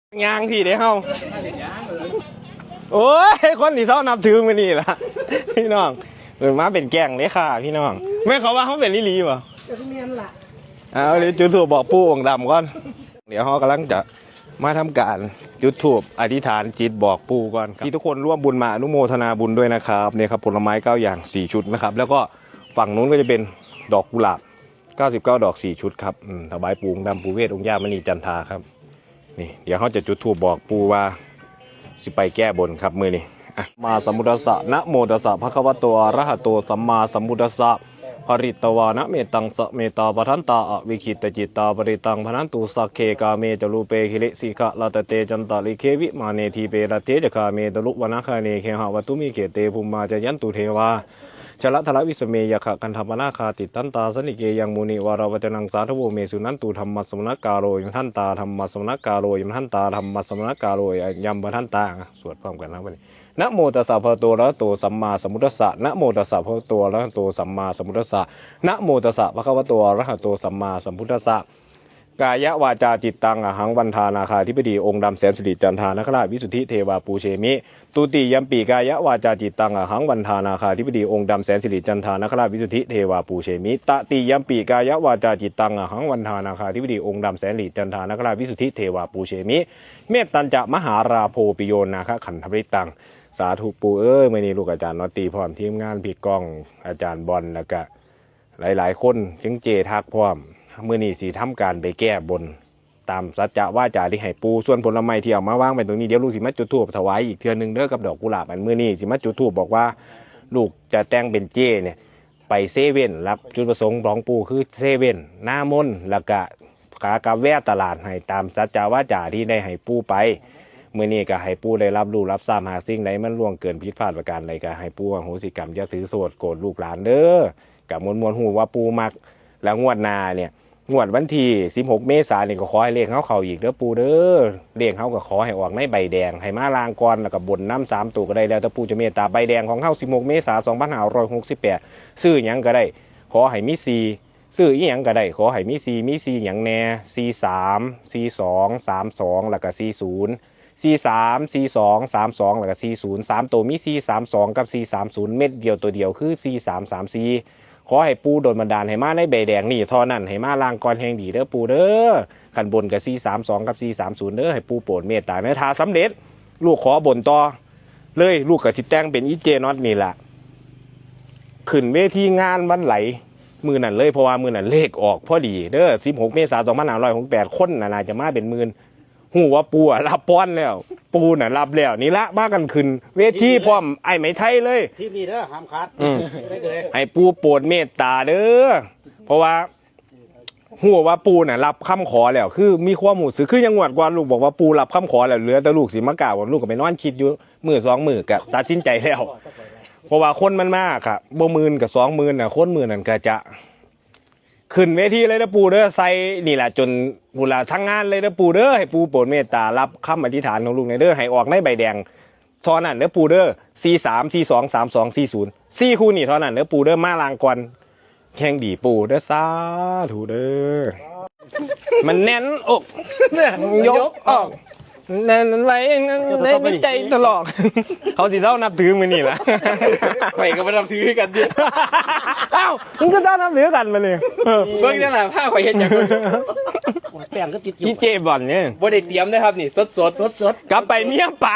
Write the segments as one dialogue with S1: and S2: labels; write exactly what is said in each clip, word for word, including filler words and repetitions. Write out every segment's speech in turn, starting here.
S1: ยางพี่เด้เฮาโอ้ยคนที่เขานับถือมือนี่ล่ะพี่น้องเออมาเป็นแกงเลยค่ะพี่น้องแม่เขาว่าเขาเป็นลิลีป่ะจะเมียนล่ะเอาเลยจุดถูกบอกปู่องค์ดำก่อนเดี๋ยวเขากำลังจะมาทำการจุดธูปอธิษฐานจิตบอกปู่ก่อนที่ทุกคนร่วมบุญมาอนุโมทนาบุญด้วยนะครับเนี่ยครับผลไม้เก้าอย่างสี่ชุดนะครับแล้วก็ฝั่งนู้นก็จะเป็นดอกกุหลาบเก้าสิบเก้าดอกสี่ชุดครับอืมถวายปู่องค์ดำปู่เวทองค์ย่ามณีจันทราครับนี่เดี๋ยวเขาจะจุดธูปบอกปู่ว่าสิไปแก้บนครับมือนี่มาสมุทสะนะโมตัสสะภะคะวะโตอะระหะโตสัมมาสัมพุทธัสสะปริตวานะเมตังสะเมตาปทันตาอวิคิตจิตตาปริตังพนันตุสักเคกาเมจลูเปหิริสิกะลาตเตจันตาลิเควิมาเนทีเปรเทจคาเมตลุวนาคาเนเคหะวัตุมิเขเตภูมาจยันตุเทวาชละทละวิสเมยขะกันธรรมนาคาติตันตาสนิเกยังมุนิวาราวจนังสาธโวเมสุนันตุธรรมสมณกาโรยมทันตาธรรมสมณกาโรยมทันตาธรรมสมณกาโรยยัมปทันตาสวดพร้อมกันนะวันนี้นะโมตัสสะภะคะวะโตอะระหะโตสัมมาสัมพุทธัสสะนะโมตัสสะภะคะวะโตอะระหะโตสัมมาสัมพุทธัสสะนะโมตัสสะภะคะวะโตอะระหะโตสัมมาสัมพุทธัสสะกายวาจาจิตตังอหังวันทานาคาธิบดีองค์ดำแสนสิริจันทานคราชวิสุทธิเทวาปูเชมิตุติยัมปีกายวาจาจิตตังอหังวันทานาคาธิบดีองค์ดำแสนสิริจันทานคราชวิสุทธิเทวาปูเชมิตติยัมปีกายวาจาจิตตังอหังวันทานาคาธิบดีองค์ดำแสนสิริจันทานคราชวิสุทธิเทวาปูเชมิเมตตัญจะมหาราโพปิโยนาคขันธปริตังสาธุปูเอ้ยมื่อนี้ลูกอาจารย์นอตตีพร้อมทีมงานพี่ก้องอาจารย์บอลแล้วก็หลายๆคนจึงเจทักพร้อมมื่อนี้สีทำการไปแก้บนตามสัจจะว่าจ่าที่ให้ปูส่วนผลไม้ที่เอามาวางไปตรงนี้เดี๋ยวลูกสิมาจุดธูปถวายอีกเทื่อนึงเด้อกับดอกกุหลาบอันมื่อนี้สิมาจุดธูปบอกว่าลูกจะแต่งเป็นเจเนี่ยไปเซเว่นรับจุดประสงค์ของปูคือเซเว่นหน้ามนแล้วก็ขากาแวะตลาดให้ตามสัจจะว่าจ่าที่ได้ให้ปูไปเมื่อนี้ก็ให้ปู่ได้รับรู้รับทราบหากสิ่งใดมันล่วงเกินผิดพลาดประการใดก็ให้ปู่อโหสิกรรมอย่าถือโทษโกรธลูกหลานเด้อกับมวลมวลหูว่าปู่มักแล้วงวดหน้าเนี่ยงวดวันที่สิบหกเมษายนนี่ก็ขอให้เลขเฮาเข้าอีกเด้อปู่เด้อเลขเฮาก็ขอให้ออกในใบแดงให้มาลางก่อนแล้วก็บนน้ำสามตัวก็ได้แล้วแต่ปู่จะเมตตาใบแดงของเฮาสิบหกเมษายนสองพันห้าร้อยหกสิบแปดซื้อหยังก็ได้ขอให้มีสี่ซื้ออีหยังก็ได้ขอให้มีสี่มีสี่หยังแน่สี่สามสี่สองสามสองแล้วก็สี่ศูนย์สี่สามสี่สองสามสองแล้วก็สี่ศูนย์สามตัวมีสี่สามสองกับสี่สามศูนย์เม็ดเดียวตัวเดียวคือสี่สามสามสี่ขอให้ปูโดนบันดาลให้มาในใบแดงนี่ทอนั่นให้มาล่างก่อนแห่งดีเด้อปูเด้อขันบนกับสี่สามสองกับสี่สามศูนย์เด้อให้ปูโปรดเมตตาเนื้อทาสำเร็จลูกขอบนต่อเลยลูกกับทิดแต้งเป็นอีเจน็อตนี่แหละขึ้นเวทีงานวันไหลมือนั่นเลยเพราะว่ามือนั่นเลขออกพอดีเด้อสิบหกเมษายนสองพันห้าร้อยหกสิบแปดคนน่าจะมาเป็นหมื่นหูว่าปูอ่ะรับป้อนแล้วปูน่ะรับแล้วนี่ละมากันขึ้นเวทีพร้อมไอ้ไหมไทยเลย
S2: ที่นี่เด้อห้ามขาด
S1: ให้ปูโปรดเมตตาเด้อเพราะว่าหูว่าปูน่ะรับคำขอแล้วคือมีความหมู่สึกคือยังงวดกว่าลูกบอกว่าปูรับคำขอแล้วเหลือแต่ลูกสิมากล่าวว่าลูกก็ไปนอนคิดอยู่มือสองมือกับตัดสินใจแล้วเพราะว่าคนมันมากค่ะบ่หมื่นกับสองหมื่นน่ะคนหมื่นนั่นก็จะขึ้นเวทีเลยนะปูเด้อใส่นี่แหละจนบุลาทั้งงานเลยนะปูเด้อให้ปูโปรดเมตตารับคำอธิษฐานของลูกในเด้อให้ออกในใบแดงทอนั่นเด้อปูเด้อสี่สามสี่สองสามสองสี่ศูนย์สี่คู่นี่ทอนั่นเด้อปูเด้อมาลางก่อนแข่งดีปูเด้อสาธุเด้อมันแน่นอกยกออกแน่นไว้ในใจตลอดเขาสิเจ้านับถือมือนี่ละ
S2: ไปก็มานับถือกันดิ
S1: อ้าวมึงก็เจ้านับถือกันมาเลย
S2: เบิ่งนี่แหละผ้าข่อยเห็นอย่าง
S1: แป้งก็ติดอยู่ที่เจบอนเนี่ย
S2: บ่ได้เตรียมนะครับนี่สดสดสดสด
S1: กลับไปเมียป่า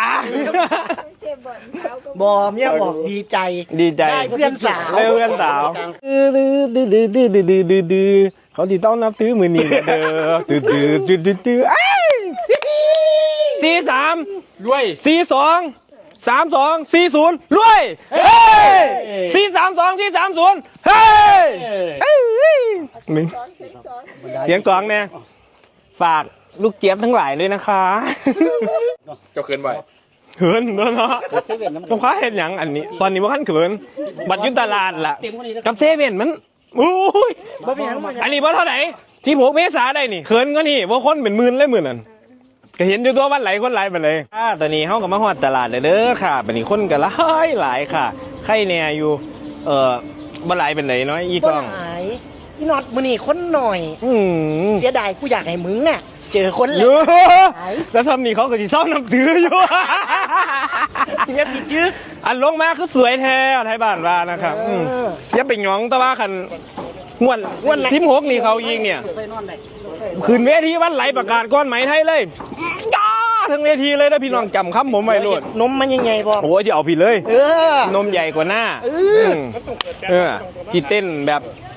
S3: บอเมียบอกดีใจ
S1: ดีใจ
S3: ได้เพื่อนสาว
S1: เพื่อนสาวดื้อดื้อดื้อดื้อดื้อดื้อดื้อดื้อเขาที่ต้องนับถือมือนี่เด้อดื้อดื้อดื้อดื้อดื้อสี่สาม
S2: รวย
S1: สี่สองสามสองสี่ศูนย์รวยเฮ้ยสี่สามสองสี่สามศูนย์เฮ้ยหนึ่งเสียงสองเนี่ยฝากลูกเจี๊ยบทั้งหลายเลยนะคะ
S2: เจ้าเขินบ่
S1: เขินเนาะเนาะลูกค้าเห็นอย่างอันนี้ตอนนี้ว่าขั้นเขินบัตรยุทธตลาดล่ะกับเซเว่นมันอุ้ยอันนี้ว่าเท่าไหร่ที่หกเมษาได้นี่เขินก็นี่ว่าคนเป็นหมื่นเลยหมื่นนั่นก็เห็นอยู่ตัววันไหลคนไหลไปเลยอ่าตอนนี้เขาก็มาฮอดตลาดเลยเด้อค่ะตอนนี้คนก็หลายหลายค่ะใครเนี่ยอยู่เอ่อบ่ไหลเป็นไหนน้อยอีกล้อง
S3: อีน็อตมือนี่คนหน่อยเสียดายกูอยากให้มึงน่ะเจอคนเล
S1: อย ยู่แล้วทำนี่เขาก็สิเศร้าน้ำถืออยู่
S3: เรียกสิจื้อ
S1: อันลงมาคือสวยแท้ไทยบ้านว่านะครับอืม
S3: เออ
S1: อย่าไปหยองแตะว่าคันงวน
S3: ง่วนไหน
S1: ทีมหกนี่เขายิงเนี่ยขึ้นเวทีวันไหลประกาศก้อนไหมไทยเลยจ้าทั้งเวทีเลยนะพี่น้องจำคำผมไว้โลด
S3: นมมันยังไงพ่อ
S1: โอ้ยจะเอาผิดเลย
S3: เออน
S1: มใหญ่กว่าหน้า
S3: เออ
S1: มเออที่เต้นแบบ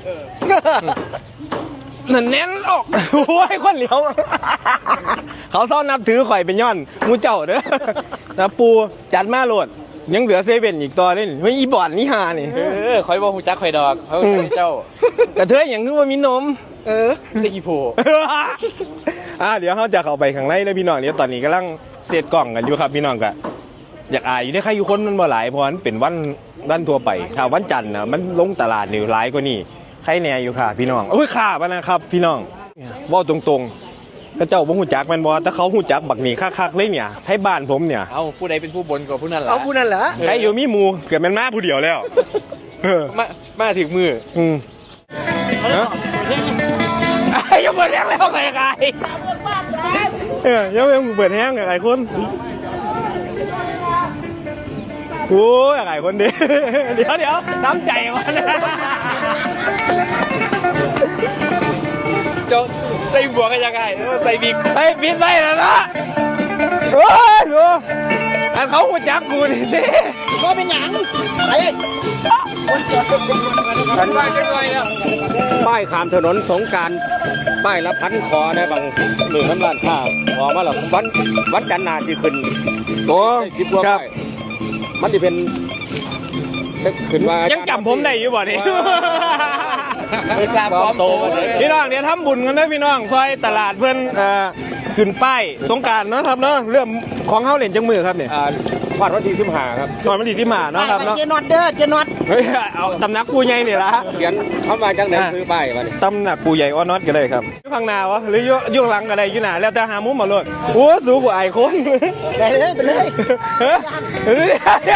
S1: นั่นแน่นออกโอ้ยคนเหลียว เขาซ่อนนับถือข่อยเป็นย้อนมูเจ้าเด้อนะปูจัดมาโหลด ยังเหลือเซเว่นอีกตัวนึงไม่อีบอดนี่ฮานี่
S2: เออคอยบอกหูจักคอยดอกเขาเป็นเจ้าก
S1: ระเทยอย่างคือว่ามีนม
S3: เออ
S2: ได้กี่โผ
S1: อ่าเดี๋ยวเขาจะเข้าไปข้างในเลยพี่น้องเดี๋ยวตอนนี้กำลังเซตกล่องกันอยู่ครับพี่น้องกะอยากอายอยู่ได้ใครอยู่คนมันบ่หลายเพราะมันเป็นวันวันทั่วไปถ้าวันจันทร์นะมันลงตลาดนี่หลายกว่านี่ใครแน่อยู่ค่ะพี่น้องโอ้ยข่าปะนะครับ พี่น้องเว่าตรงๆก็เจ้าบ่ฮู้จักแมันบ่แต่เขาฮู้จักบักนี่คักๆเลยเนี่ยให้บ้านผมเนี่ย
S2: เอาผู้ใดเป็นผู้บนกว่าผู้นั้นล่ะ
S3: เอาผู้นั่นเหรอ
S1: ใครอยู่มีหมู่เกิดแมันมาผู้เดียวแล้วเออ
S2: มามาถึงมือ
S1: อืมฮะไอ้ยังเปิดแห้งแล้วไงไงเออยังยังเปิดแห้งไงคนโอ้ยไงคนดีเดี๋ยวเดี๋ยวน้ำใจมัน
S2: เจ้าใส่บัวกันยังไงใส่บิ๊ก
S1: ไอ้ปิดไปแล้วนะโอ้ยดูอันเขาหัวจักกูนี่สิ
S3: ก็เป็นหยังไอ้
S2: ฉันว่าจะไงแล้ว
S4: ป้ายขามถนนสงกรารป้ายละพันคอได้บางหนึ่งพันล้านข้าวออกมาแล้ววันวันจันทร์หนาสิขึ้น
S1: โอ้
S4: ได้สิบกว่า
S1: ครับ
S4: ป้ายมันจะเป็นขึ้นว่า
S1: ยังจำผมได้อยู่บ่นี่
S2: ไปทราบความโตมาเลย
S1: พี่น้องเดี๋ยวทำบุญกันนะพี่น้องซอยตลาดเพื่อนเอ่อขึ้นป้ายสงกรารเนาะครับเนาะเรื่องของเฮาเล่นจังมือครับเนี่ย
S4: อ่าพาดวันที่สิบห้าครับ
S1: ตอนมันดีที่มาเนาะครับเนาะ
S3: เจนอดเด้อเจนอด
S1: เฮ้ยเอาตำหนักปูใหญ่นี่ละ
S4: เขียนคำว่าจังไหนซื้อป้ายมาเนี่ย
S1: ตำหนักปูใหญ่ออนอตก็ได้ครับอยู่ข้างหน้าวะหรืออยู่อยู่หลังก็ได้อยู่หน้าแล้วแต่หามุมมาโลดโอ้สูงกว่าไอ้คน
S3: ไปเลยไปเลย
S1: เฮ้ยเฮ้ย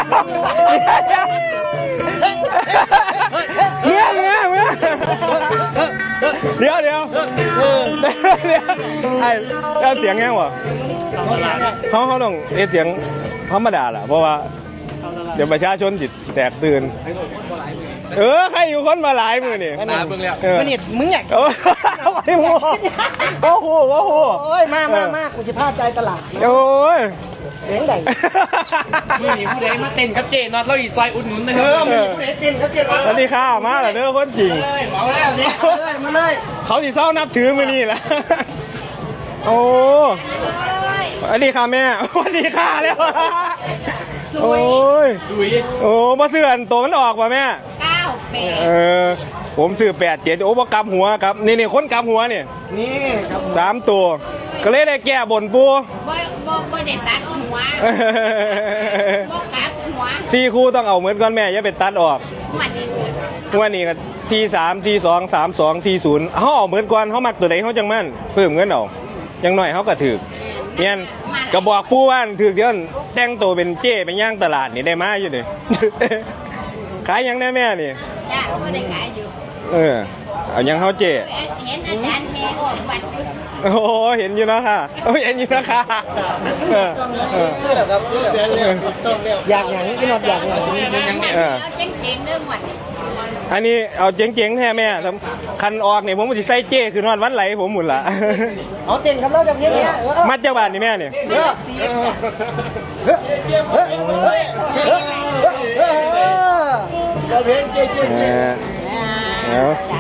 S1: เมียเมียเมียเดี๋ยวเดี๋ยวเดี๋ยวไอ้แล้วเสียงแง่วะเขาเขาต้องเอเสียงธรรมดาแหละเพราะว่าเดี๋ยวประชาชนจิตแตกตื่นเออใครอยู่คนมาหลายมือนี่
S2: ตาเบิ่งแล้ว
S1: เออ
S3: มันนี่มึงอยาก
S1: โอ้ยไอ้หมูโอ้โหโอ้โห
S3: โอ้ยมามามากูจะพาใจตลาด
S1: โอ้ย
S3: เสียงใหญ่
S2: มือนี้ผู้ใดมาเต้นครับเจนอตเราอีกซอยอุดหนุนนะค
S3: เอ
S2: รั
S3: อบ มึงผู้ใดเต้นเขาเต้นมา
S1: สวัสดีค่ะมาแล้วเด้อคนจริง
S2: เลยเหมาแล้วเนี่ย
S3: เลยมาเลย
S1: เขาสิเศร้านับถือมือนี่แหละโอ้สวัสดีค่ะแม่สวัสดีค่ะแล้วโอ้ย
S2: สุย
S1: โอ้มาเสื่อนตัวมันออกป่ะแม่
S5: เก้าแปด
S1: เออผมซื้อแปดเจ็ดโอ้บ่กำหัวครับนี่นี่คนกำหัวเนี่ย
S3: นี่ครับ
S1: สามตัว ก็เลยได้แก้บนปู
S5: บ่บ่บ่ได้ตัดหัวบ่กัดหัว
S1: สี่คู่ต้องเอาเหมือนก่อนแม่อย่าไปตัดออก
S5: หัวนี่
S1: วันนี้ก็ทีสามทีสองสามสองทีศูนย์เขาเอาเหมือนก่อนเขามักตัวไหนเขาจังมั่นเพิ่มเงินเอายังหน่อยเขาก็ถือเนี่ยก็บอกปูว่าถือเดี๋ยวแต่งตัวเป็นเจ้ไปย่างตลาดนี่ได้มาอยู่นี่ ขายยังได้แม่นี่
S5: จ้าบ่ได้ขายอยู่
S1: เออเอายังเขาเจ้
S5: เห็นอาจารย์แม่ออกวัดอยู่
S1: โอ้โหเห็นอยู่นะค่ะโอ้ยเห็นอยู่นะค่ะเออเออ
S3: อยากอย่างนี้นอดอยากอย่างนี้
S1: เออ
S5: เอาเจ๋งๆเด้อหมด
S1: อันนี้เอาเจ๋งๆแท้แม่คันออกเนี่ยผมมันจะใส่เจ้คือนอนวันไหลผมหมุนละ
S3: เอาเต้นครับเราจะเพี้ยนเนี้ยเออ
S1: มัดเจ้าบ้านนี่แม่เนี่ย
S3: เออเฮ้ยเฮ้ยเฮ้ยเฮ้ยเฮ้ยเราเพี้ยนเจ๊เจ๊
S1: เออเอา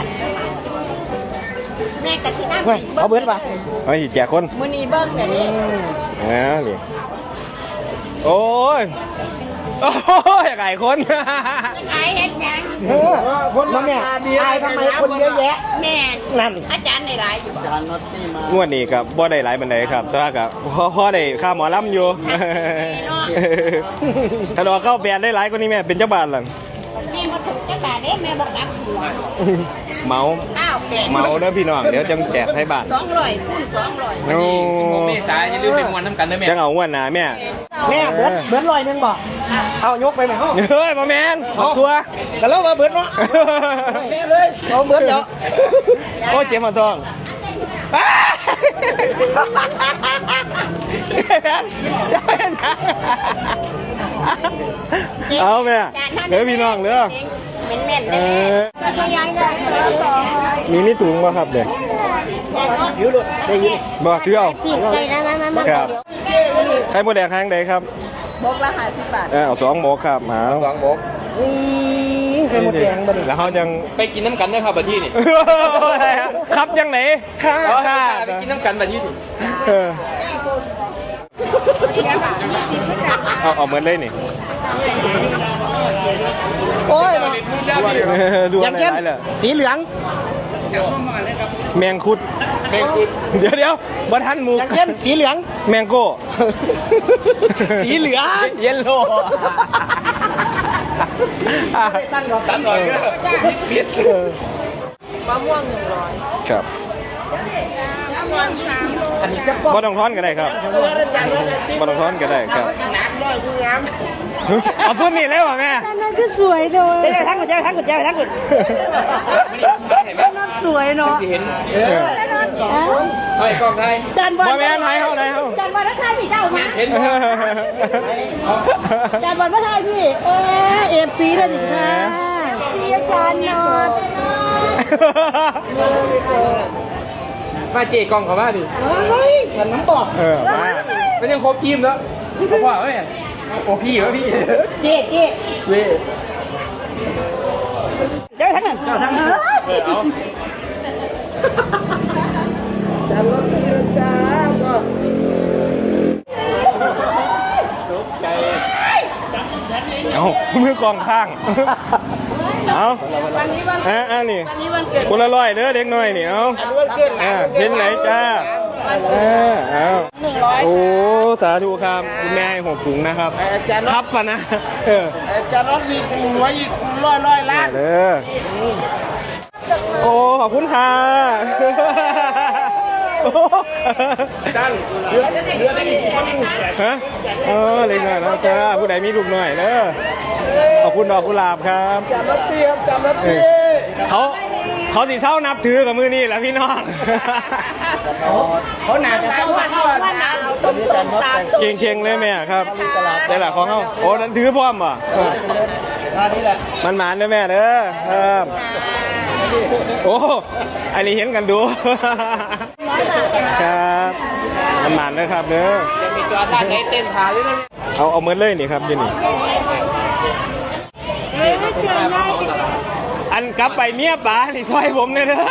S5: แม่ก็สินั่ง
S3: เฮ้ยเอาเบิร์ดป่ะ
S1: เอาอีกแจกคน
S5: มื้อนี้เบิ่งเดี๋ยวนี้
S1: เอาดิโอ้ยโอ้ยไก่คน
S5: ขายเฮ็ดหยัง
S3: เออคนมาเนี่ยอายทำไมคนเยอะแยะ
S5: แม่
S3: นั่น
S5: อาจารย์ได้หลายอยู่บ่
S1: งวดนี้กับบ่ได้หลายบันไดครับแต่ว่ากับพ่อพ่อได้ค่าหมอลำอยู่ ถ้าดอกเข้าแปดได้หลายกว่านี้แม่เป็นเจ้าบ้านหลัง
S5: แม่บ่ถูกจักบาทเด้แม่บ่กัดหัว
S1: เมา
S5: เก้าแปด
S1: เมาเด้อพี่น้องเดี๋ยวจังแจกให้บ้าน
S5: สองร้อยคูณสองร้อย
S1: โอ้
S2: โมเมษาอย่าลืมเป็นมวนน้ำกันนะแม่
S1: จังเอางวดหน้าแม่
S3: แม่เบิร์ดเบิร์ดลอยหนึงบ่เอายกไปไหมห้อง
S1: เฮ้ยมาแมนขอบตัว
S3: แต่เรามาเบิร์ดเนาะแม่เลยเอาเบิร์ดเดี๋ยว
S1: โอ้เจ็บมาท้องเอาแม่เด้อพี่น้องเด้อ
S5: เป็นแม่น
S1: เอ
S5: ได้
S1: อ
S5: ก็ช่วยยายได้
S1: มีนี่ถุงป่ะครับเด็ก
S3: ยืดเลยได้ยิน
S1: บอกถือเอา
S5: พี่ใจนะมามามา
S1: ครับไข่มดแดงแห้งใดครับ
S3: บกละห้าสิบบาท
S1: เออเอาสองโมกครับหมา
S2: สองโบก
S3: นี่ไข่มดแดงบ่ดิ
S1: แล้วเขาจัง
S2: ไปกินน้ำกันได้ครับบัดที่นี่
S1: ครับยังไหนค่า
S2: เอา
S1: ค่า
S2: ไปกินน้ำกันบัดที่นี่
S1: เออเอาเอาเหมือนเลยนี่
S3: โอ้ย
S1: ดู
S3: อ
S1: อะ
S3: ย่าง
S1: ไร
S3: เข้ม
S1: เลย
S3: สีเหลือง
S1: แมงคุด
S2: แมงคุด
S1: เดี๋ยวเดี๋ยวบัทันหมู
S3: อย่างเข้มสีเหลือง
S1: แมงโก้
S3: สีเหลือง
S1: เยลโล่
S2: สามร้อยก็เปลี่ยน
S3: มะม่วงหนึ่งร้อย
S1: ครับ
S3: อันนี้จะป้อง
S1: บ่ต้องท้อนก็ได้ครับบ่ต้องท้อนก็ได้ครับเอาพุ่นนี่เลยว่ะแม่
S5: นั่นก็สวยโดยเจ้าทั้งหมดเจ้าทั้งหมดเจ้าทั้งหมดนั่นสวยเนาะ
S2: เห็น
S1: เออ
S2: ไอ้กล้องไทย
S5: จันบอล
S1: บ่แม่นไทยเฮาไทยเฮา
S5: จันบอลพระไทยพี่เจ้ามา
S2: เห็น
S5: จันบอลพระไทยพี่เออเอฟซีเลยดิค่ะซีอาจารย์นอด
S2: มาเจกล้องเขามาดิ
S3: เฮ้ยฉันน้ำตก
S1: เออมา
S2: มันยังครบทีมแล้วเขาว่าเฮ้ยโอ้พี่วะพี่
S5: เจ๊เจ๊
S2: เว้ย
S5: เจ้าทั้งนั้นเจ้าทั้งนั้น
S2: เอา
S3: จานรถนี่นะจ้าก็
S1: เอามือกองข้างเอา
S5: วันนี้วัน
S1: อ่ะอ่ะนี่
S5: นี้วันเกิด
S1: คนละร้อยเด้อเด็กน้อยนี่เอาอ่าเห็นไหนจ้าเออเอา
S5: หนึ่งร้อย
S1: โอ้สาธุครับคุณแม่ให้หกถุงนะครับครับปะนะเออ
S3: จานรถอีกหัวอีกร้อยร้อยล้าน
S1: เด้อโอ้ขอบคุณค่ะจันเรือเรือได้อีกฮะเออเล็กหน่อยนะจ้าผู้ใดมีลูกหน่อยเด้อขอบคุณดอกกุหลาบครับ
S3: จานรถเตรียมจานรถ
S1: เอ
S3: เตรี
S1: อย
S3: ม
S1: เขาเขาสิเช่านับถือกับมือนี่แหละพี่น้อง
S3: เขาหนาจะเข้าวัดก่อนนะต้มต้มสาม
S1: เก่งเก่งๆเลยแม่ครับได้แหละของเขาโอ้นั่นถือพร้อมป่ะเออ
S3: อันนี้แหละ
S1: มันหมานเด้อแม่เด้อครับโอ้อันนี้เห็นกันดู ครับมันหมานเด้อครับเด้อ
S2: จะมีตัวด้านไหนเต้นขาด้วยนะ
S1: เอาเอาเหมือนเลยนี่ครับยี่นี่
S5: ไม่เจอหน้าติด
S1: อันกลับไปเมียป๋านี่ซอยผมเลยเด้อ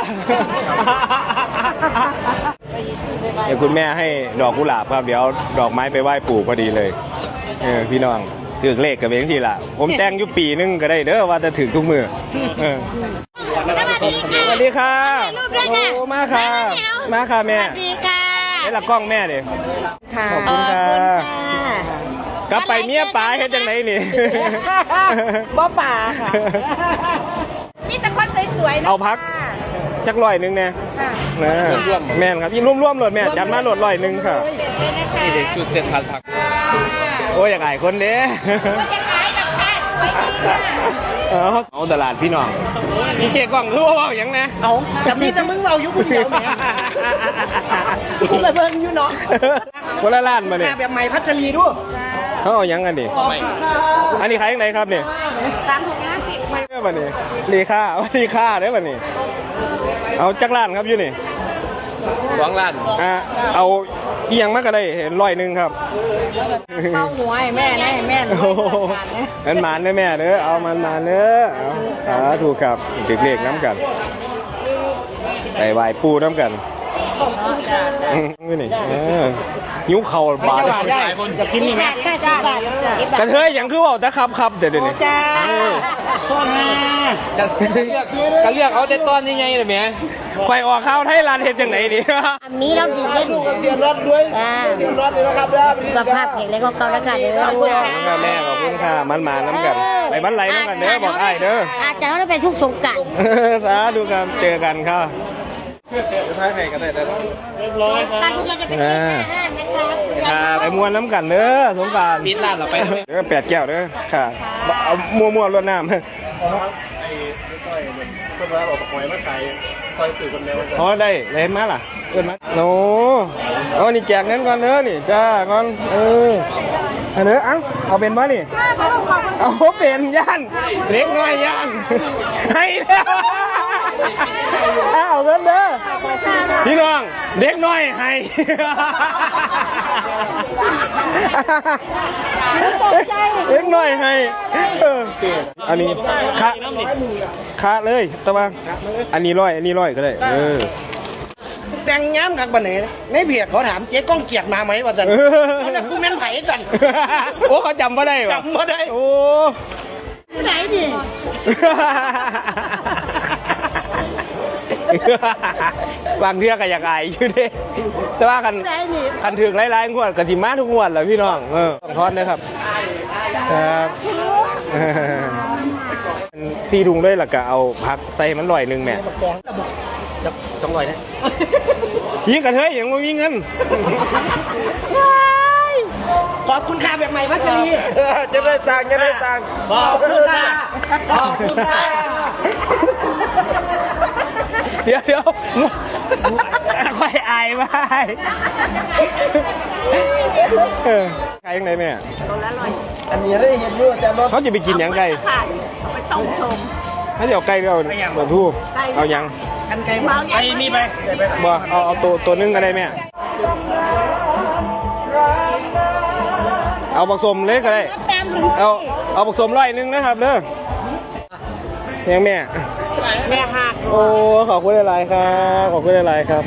S1: เดี๋ยวคุณแม่ให้ดอกกุหลาบครับเดี๋ยวดอกไม้ไปไหว้ปู่พอดีเลยเออพี่น้องถือเลขกับเองทีละผมแต่งอยู่ปีนึงก็ได้เด้อว่าจะถือทุกมือเออ
S5: สวัสดีค่ะ
S1: สวัสดีค่ะ
S5: ถ่ายรูปด้วยค่ะ
S1: โอ้มาค่ะมาค่ะแม่
S5: สวัสดีค่ะ
S1: นี่ละกล้องแม่ดิ
S5: ค่ะ
S1: ขอบคุณค่ะกลับไปเมียป๋าเฮ็ดจังไหนนี่
S5: บ่ป่าค่ะมีแต่คนสวยๆนะ
S1: เอาพักจักร้อยหนึงเนี่ยนะแม่นครับยิ่งร่วมๆโหลดแม่จัดมาโหลดร้อยหนึงค่ะ
S2: นี่เด็กจุดเสร็จทันผัก
S1: โอ้ยอยากอายคนเด้
S5: จะขายกับแค่สวยดีค่ะ
S1: เอาเอาตลาดพี่น้องมีเจ๊กล้องคือว่าว่าอย่างนะ
S3: เอาแต่มีแต่มึงเราอยู่คนเดียวเนี่ยกูเลยเบิ่งอยู่เนาะ
S1: คนละล้านมาเนี่ย
S3: แค่แบบใหม่พัชรีด้วย
S1: เขาเอาหยังกันดิอันนี้ขายยังไงครับเนี่ย
S5: สามถุงห้าสิบ
S1: เด้อบัดนี้รีค่าเอารีค่าเด้อบัดนี้เอาจักล้านครับอยู่นี่
S2: สองล้าน
S1: อ่าเอาอีหยังมากก็ได้เห็นร้อยหนึ่งครับ
S5: เข้าหัวให้แม่นะให้แม่
S1: โอ้โหมันหมานเด้อแม่เด้อเอามันมาเด้อเอาสาธุครับติดเลขน้ำกันไปไหว้ปู่น้ำกันอืมนี่นี่เออหิวเข่าบาด
S3: จะกินนี่ไหม
S5: แค่สิบบาท
S1: กระเทยอย่างคือว่าแต่ครับครับเดี๋ยวเดี๋ยวนี้
S5: จ้า
S2: จะเลือกจะเลือกเอาแต่ตอนยังไงเลยแม่
S1: ไฟออกข้าวไทยร้านเห็ดจังไหนดี
S5: อันนี้เราดีเล่น
S3: เสียรถด้วย
S5: จ้า
S3: เสียรถด้วยนะครับเด้อ
S5: สุขภาพแข็งแรงของเขาแล้วกันเด้อลูก
S1: แม่ขอบคุณค่ะมันมาน้ำกันไปบ้านไรน้ำกันเด้อบอกไอ้เด้อ
S5: อาจจะเราไปทุกสงกรานต์
S1: สาธุครับเจอกันค่ะ
S5: การที่เราจะไปกินอาหารนะคะ
S1: ไปมวนน้ำกันเด้อสงกราร
S2: ปิดร้านเราไปแล้ว
S1: เด้อแปดแก้วเด้อค่ะเอามัวมัวรดน้ำ
S6: ไอ้ไม่ค่อยคนว่าบอกหอยมาขายคอยสื่อคนเดียว
S1: อ๋อได้เลยมาล่ะเอินมาโอ้เอานี่แจกเงินก่อนเด้อนี่จ้าก่อนเออเอาเด้อเอาเอาเป็นบ่นี่เอาเป็นย่านเล็กน้อยย่านให้แล้วเอาเงินเด้อพี่น้องเด็กน้อยให้เล็กน้อยให้เอออันนี้คะคะเลยแต่ว่าอันนี้ร้อยอันนี้ร้อยก็ได้เออ
S3: แต่งย้ำกับบันเน่ในเบียดเขาถามเจ๊ก้องเกียรติมาไหมวะจันแล้วกูแม่นไผ่กัน
S1: โอ้เขาจำไม่ได้ปะ
S3: จำไม่ได้
S1: โอ้
S5: ไหนดิ
S1: บางเทื่อก็อยากอายอยู่เด้แต่ว่ากัน
S5: ไหนดิ
S1: คันถึงไล่ๆงวดกะทิมาทุกงวดแหละพี่น้องเออต้องทอดเลยครับครับที่ดุงด้วยล่ะก็เอาพักใส่มันลอยหนึ่งแม่
S3: สองร้อยนะ
S1: ยิงกันเฮ้ยยังไม่มีเงิน
S3: ขอบคุณค่าแบบใหม่พัชรี
S1: จะได้ตังค์จะได้ตังค์
S3: ขอบคุณค่ะขอบคุณค่ะ
S1: เดี๋ยวเดี๋ยวค่อยอายไปเออใครยังไงแม่
S3: อันนี้ได้เห็นด้วยแต่รถ
S1: เขาจะไปกินหยังไก่
S5: ไปต้มชม
S1: ถ้าจะเอาไก่หรือเอาตัวทู่เอาหยัง
S3: กันไกลมา
S2: ไอ้นี่ไป
S1: บ่เอาเอาตัวตัวนึงก็ได้แม่เอาผสมเล็กก็ได้เอาเอาผสมร้อยหนึงนะครับเด้อยังแม่
S5: แม่หัก
S1: โอ้ขอบคุณหลายๆครับขอบคุณหลายๆครับ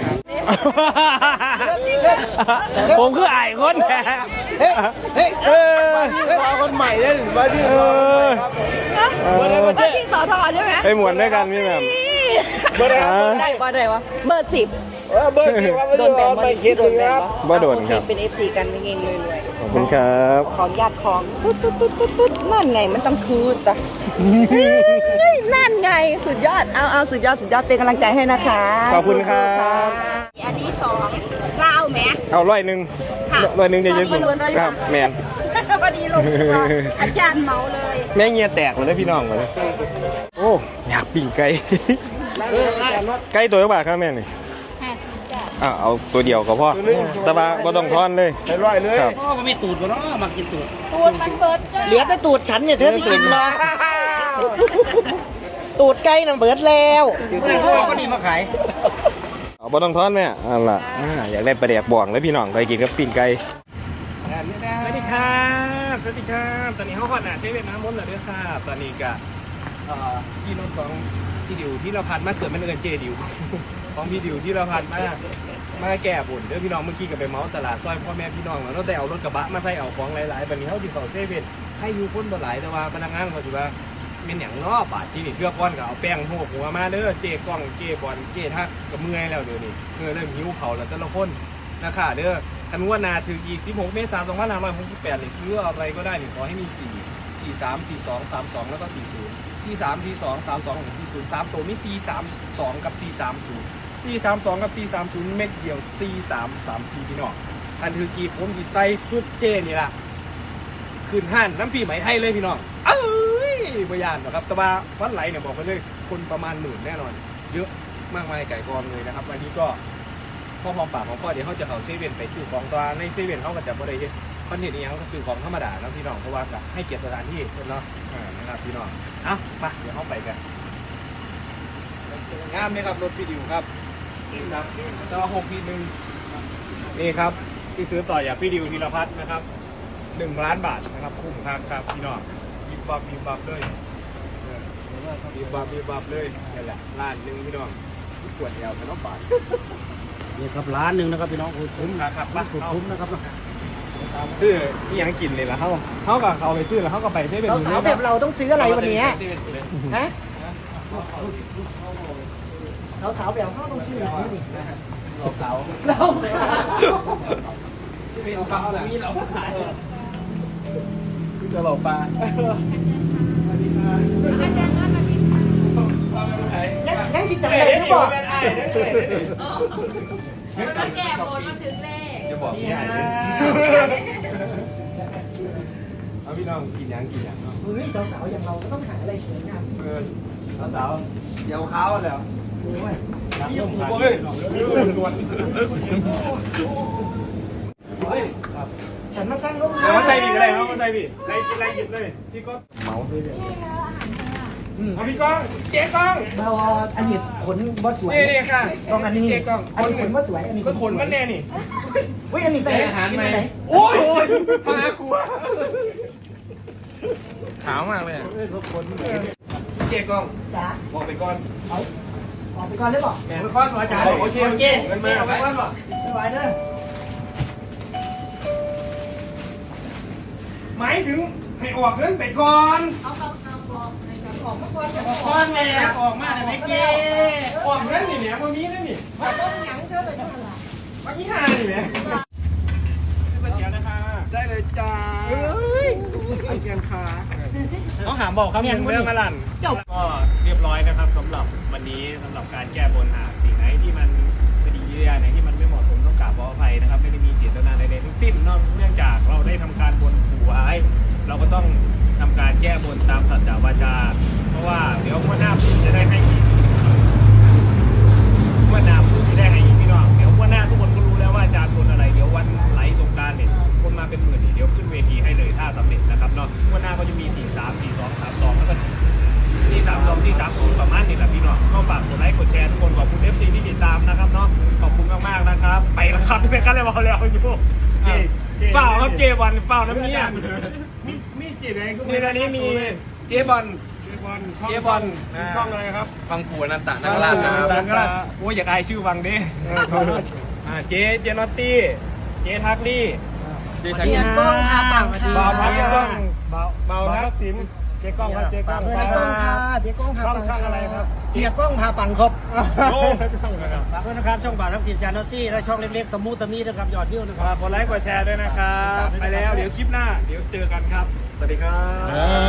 S1: ผมคืออายคนแท้
S3: เฮ้ยเฮ้ย
S1: เออ
S3: เอาคนใหม่ได้หรือว่าที่
S1: เออ
S5: ว่าที่สอทอใช่ไหม
S1: ไปหมวนด้วยกันพี่แหม่ม
S3: เบอร์
S1: อ่า
S5: ได้ว่าได้วะเบอร์สิบ
S3: เบอร์ที่ว่าไม่
S5: โด
S3: ได้
S5: นแบน
S3: ไม่คิดเลยครับ
S1: บ่โดนครับ
S5: เป็นเอฟซีกันเองเลยรวย
S1: ขอบคุณครับ
S5: ของญาติของตุ๊ดตุ๊ดตุ๊ดตุ๊ดตุ๊ดนั่นไงมันต้องคืนจ้ะนั่นไงสุดยอดเอาเอาสุดยอดสุดยอดเป็นกำลังใจให้นะคะ
S1: ขอบคุณครับ
S5: อันนี้สองเจ้าแม่
S1: เอาร้อยหนึ่งร้อยหนึ่งจะเยอะสุดครับแมน
S5: พอดีลงตัวอาจารย์เมาเลย
S1: แม่เงียแตกเลยพี่น้องเลยโอ้อยากปิ้งไก่ไก่ตัวเท่าไหร่ครับแม่นี่อ่าเอาตัวเดียวก็พอแตะบาบ่ต้องทอนเลยร้อยเลยครับ
S2: พ่อก็ไม่ตูดวะเนาะมากินตูด
S5: ตูดมันเบิดจ้ะ
S3: เหลือแต่ตูดฉันเนี่ยเธอที่กินมาตูดไก่น่ะเบิดแล้ว
S2: พ่อก็ดีมาขาย
S1: เอาบ่ต้องทอนแม่อันล่ะอ่าอยากได้ปลาแดกบ่องเลยพี่น้องไปกินกับปิ้งไก่สวัสดีครับสวัสดีครับตอนนี้เขาขอหนาเซเว่นน้ำมนต์เหรอด้วยครับตอนนี้ก็เอ่อพี่นุ่นของพี่ดิวที่เราพันมาเกิดมันเอินเจดิว ของพี่ดิวที่เราพันมามาแก่บุญเด้อพี่น้องเมื่อกี้ก็ไปเมาส์ตลาดซอยพ่อแม่พี่น้องแล้วแต่เอารถกระบะมาใส่เอาของหลายๆแบบนี้เขาติดต่อเซเว่นให้อยู่คนบ่หลายแต่ว่าพนักงานเขาถือว่าเป็นอย่างนอกบาทที่นี่เทือกก้อนก็เอาแป้งโหกหัวมาเด้อเจ๊กล้องเจ๊บอลเจ๊ทักก็เมื่อยแล้วเดี๋ยวนี้เมื่อยเริ่มหิวเขาแล้วแต่ละคนนะคะเด้อคันงวดหนาถึงอีกสิบหกเมษายนสองพันห้าร้อยหกสิบแปดนี่ซื้ออะไรก็ได้นี่ขอให้มีสี่สี่สามสี่สองสามสองแล้วก็สี่ศูนย์สี่สามสี่สองสามสองสี่ศูนย์สามตัวมีสี่สามสองกับสี่สามศูนย์สี่สามสองกับสี่สามศูนย์เม็ดเดียวสี่สามสามสี่พี่น้องคันถือกีผมกีไซซุปเจนี่ล่ะคืนห้านน้ำปีไหมไทยเลยพี่น้องเอ้ยบยานนะครับแต่ว่าวันไหลเนี่ยบอกไปเลยคนประมาณหมื่นแน่นอนเยอะมากมายไก่กองเลยนะครับวันนี้ก็พ่อพร้อมปากของพ่อเดี๋ยวเขาจะเขาเซเว่นไปซื้อของตัวในเซเว่นเขาก็จะบ่ได้คอนเทนต์นี้เขาก็ซื้อของธรรมดาแล้วพี่น้องเพราะว่าให้เกียรติสถานที่เนาะอ่านะครับพี่น้องเอ้าไปเดี๋ยวเขาไปกันงามไหมครับรถพี่ดิวครับครับแต่ว่าหกทีหนึ่งนี่ครับที่ซื้อต่อจากพี่ดิวธีรพัฒน์นะครับหนึ่งล้านบาทนะครับคุ้มครับครับพี่น้องบีบบับบีบบับเลยบีบบับบีบบับเลยนี่แหละล้านหนึ่งพี่น้องขวดเดียวเป็นน้องบาท
S2: นี่ครับร้านหนึ่งนะครับพี่น้องคุ้ม
S1: ครับครับบ้า
S2: สุดคุ้มนะครับ
S1: ซื้อที่ยังกินเลยละเขาเขากับเขาไปซื้อแล้วเขาก็ไปได้เป็น
S3: สาวๆแบบเราต้องซื้ออะไรวันนี้ฮะสาวๆแบบเขาต้องซื้ออะไรวันนี้
S2: เรา
S3: เรา
S2: เป็นปลามีเราขายจะหลอกปลา
S3: ยังยังจิตใจเลยหรือเปล่า
S5: มาแก่โบนมาถึงเลข
S1: จะบอกพี่ใหญ่เลยเอาพี่น้องกินยังกินยังเนาะ
S3: เฮ้ยสาวๆอย่างเราก็ต้องหาอะไรสวยงาม
S1: เออสาวๆเดี๋ยวเขาแล้ว
S3: โอ้ย
S1: อ
S3: ฉันมาสร้างรถ
S1: มาใส่พี่ก็ได้ครับมาใส่พี่ใส่กินอะไรหยิบเลยพี่ก็เมาเลยเอาพี่ก้องเจ๊ก้อง
S3: เราอันนี้ขนบ่สวย
S1: นี่นี่ค่ะ
S3: ต้องอันนี้
S1: เจ๊ก้อง
S3: อันนี้ขนบ่สวยอันนี้
S1: ก็ขนมันแน่นี่
S3: เฮ้ยอันนี้ใส่อาหารไหน
S1: โอ้ยมากูขาวมากเลยเจ๊ก้อง
S3: จ้า
S1: บอกไปก่อน
S3: เอาออกไปก่อนเลยบอก
S1: ไปก่อนอาจารย์โอเคโอเคเงินมาไปก่อนบ่
S3: ไม่ไหวเด้อ
S1: หมายถึงให้ออกเงินไปก่อน
S3: ออกมาก่อนจะ
S1: ก่อนแม่ออกมาได้ไหมเจ๊ออกเงินนี่แหม่มามีนั่นนี่
S3: มาต้องหยังเธอเลยจังหวะ
S1: มากี่ห้านี่แหม่ไปเดี๋ยวนะคะได้เลยจ้าเฮ้ยไอเกียนขาต้องหามบอกครับเรื่องเรื่องมาลันก็เรียบร้อยนะครับสำหรับวันนี้สำหรับการแก้บนหากสิ่งไหนที่มันไม่ดีอย่างไหนที่มันไม่เหมาะสมต้องกราบขออภัยนะครับไม่ได้มีเจตนาใดๆทั้งสิ้นนอกเนื่องจากเราได้ทำการบนขู่ไว้เราก็ต้องทำการแก้บนตามสัจจาวาจาเพราะว่าเดี๋ยวงวดหน้าผมจะได้ให้อีกงวดหน้าผมจะได้ให้อีกพี่น้องเดี๋ยวงวดหน้าทุกคนก็รู้แล้วว่าอาจารย์บนอะไรเดี๋ยววันไหลสงกรานต์เนี่ยคนมาเป็นหมื่นเดี๋ยวขึ้นเวทีให้เลยถ้าสำเร็จนะครับเนาะงวดหน้าก็จะมีสี่สามสี่สองสามสองแล้วก็สี่สามสองสี่สามศูนย์ประมาณนี้แหละพี่น้องก็ฝากกดไลค์กดแชร์ทุกคนขอบคุณ เอฟ ซี ที่ติดตามนะครับเนาะขอบคุณมากๆนะครับไปแล้วครับไม่กันเลยบอกแล้วอยู่เปล่าครับเจวันเปล่าน้ำเนี้ยมีมีเจไหนนี่ตอนนี้มีเจบอลเจบอลเจบอลช่องอะไรครับ
S2: ฟังผัวนันตะนักล่าครับ
S1: นักล่าโอ้ยอยากอายชื่อวังดิอ่าเจเจนอตตี้เจทักลี่
S2: ดีทัก
S3: เรียนกล้องค่ะปังค่ะ
S1: เบาพักกล้องเบาเบาทักสินเจกล้องครับเจกล้อง
S3: เรียนกล้องค่ะเดี๋ยวกล้องพาปัง
S1: ช่องอะไรครับ
S3: เรียนกล้องพาปังครับ
S1: โอ้
S6: ฝากด้วยนะครับช่องบ่าวทักษิณจานอตตี้และช่องเล็กๆตะมูตะมีนะครับยอดวิวนะครับ
S1: ฝากกดไลค์กดแชร์ด้วยนะครับ ไปแล้วเดี๋ยวคลิปหน้า เดี๋ยวเจอกันครับ สวัสดีครับ